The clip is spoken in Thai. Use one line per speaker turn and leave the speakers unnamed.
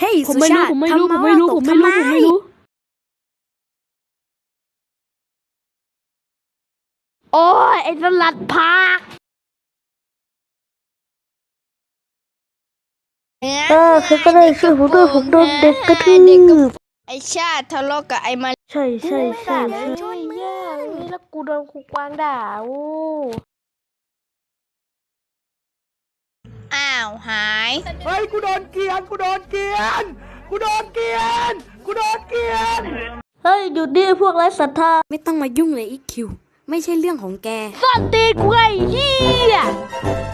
เฮ้ย
ผม
สุ
ไม่
ชา
รู้
ติ
ผมไม่รู้
ทำ
ผมไม่รู้
ต
ผ
ก
มไม่รู้
ทำ
ผมไม่รู้ โอ้ยไอ้สลัดผักคือก็ได้ช่วยผมด้วยผมโดนเด็กกระทืบ
ไอชาติทะเลาะกับไอมา
ใช่ใช่ใช่
เลย
ใช่
ชนมึง
แย่นี่แล้วกูโดนครูกวางด่าโอ้
อ้าวหาย
เฮ้ยกูโดนเกลียนกูโดนเกลียนกูโดนเกลียนกูโดนเกลียน
เฮ้ยหยุดดิพวกไร้ศรัทธา
ไม่ต้องมายุ่งเลยอีคิวไม่ใช่เรื่องของแก
ซ่อนตีนกูไอ้เหี้ย